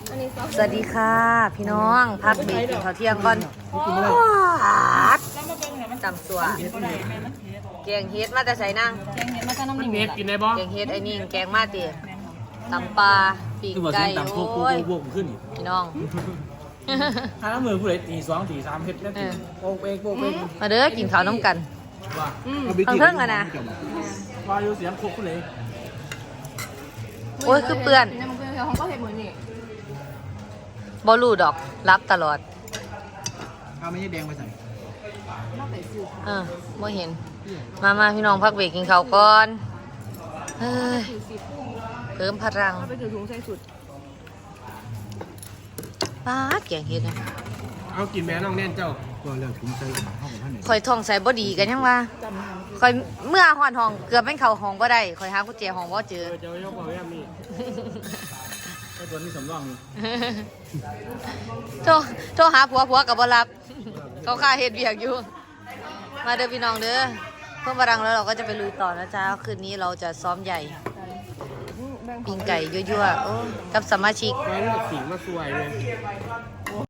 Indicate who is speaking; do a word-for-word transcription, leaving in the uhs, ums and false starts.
Speaker 1: สวัสดีค่ะพี่น้องพักเบรกกินข้าวเที่ยงก่อนจำสัวแกงเฮ็ดมาแต่ใส่นั่ง
Speaker 2: แกงเห็ดมาจะน้ำหนึ่ง
Speaker 3: เฮ็ดกินได้บ่
Speaker 1: แกงเฮ็ดไอ้นี่แกงมาตีตำปลาปีกไก่โอ้ย
Speaker 3: บวกขึ้น
Speaker 1: พี่น้อง
Speaker 3: ถ้าน้ำมือผู้ใดตีสองตีสามเฮ็ดแล้วโป๊กเองโป๊กเอง
Speaker 1: มาเด้อกินข้าวน้ำกัน
Speaker 3: ว่า
Speaker 1: เพิ่งเพิ่งอะนะ
Speaker 3: ว่าอยู่เสียงโคกผู้ใด
Speaker 1: โอ้ยคือเปื่อน
Speaker 2: เนี่ยมันเป็นของก็เห็ดเหมือนนี่
Speaker 1: บอลูดอกรับตลอด
Speaker 3: ถ้าไม่ใช่แดงไปใส่
Speaker 2: น่าไปซื้อ
Speaker 1: เออไม่เห็น มามาพี่น้องพักเบรกกินข้าวก่อนเฮ้ย
Speaker 2: ถือสิบ
Speaker 1: เพิ่มพลัง
Speaker 2: ถ้าไปถือถุงใส่สุด
Speaker 1: ป้าดแกงเฮ็ดนะ
Speaker 3: เอากินแม่น้องแน่นเจ้าก็เลิกถุงใส่ห้องท่านไหน
Speaker 1: คอยท่องใส่บ่ดีกันยังว่า
Speaker 2: จำทาง
Speaker 1: คอยเมื่อหอนห้องเกือบเป็นเข้าห้องบ่ได้คอยหากุญแจห้องบ่เจอ
Speaker 3: เออเจ้ายกมาแว่นี่ไอ้ตัวนี้สำรองนี่
Speaker 1: โทรโทรหาผัวผัวกับบ่รับ เขาค่าเฮ็ดเวียกอยู่ มาเด้อพี่น้องเด้อเพิ่มพลังแล้วเราก็จะไปลุยต่อนะจ๊ะคืนนี้เราจะซ้อมใหญ่
Speaker 2: แบ่งข
Speaker 1: ปิ้
Speaker 2: อง
Speaker 1: งไก่ยั่วๆโอ้กับสมาชิก
Speaker 3: มาเลือกสีมาสวยเลย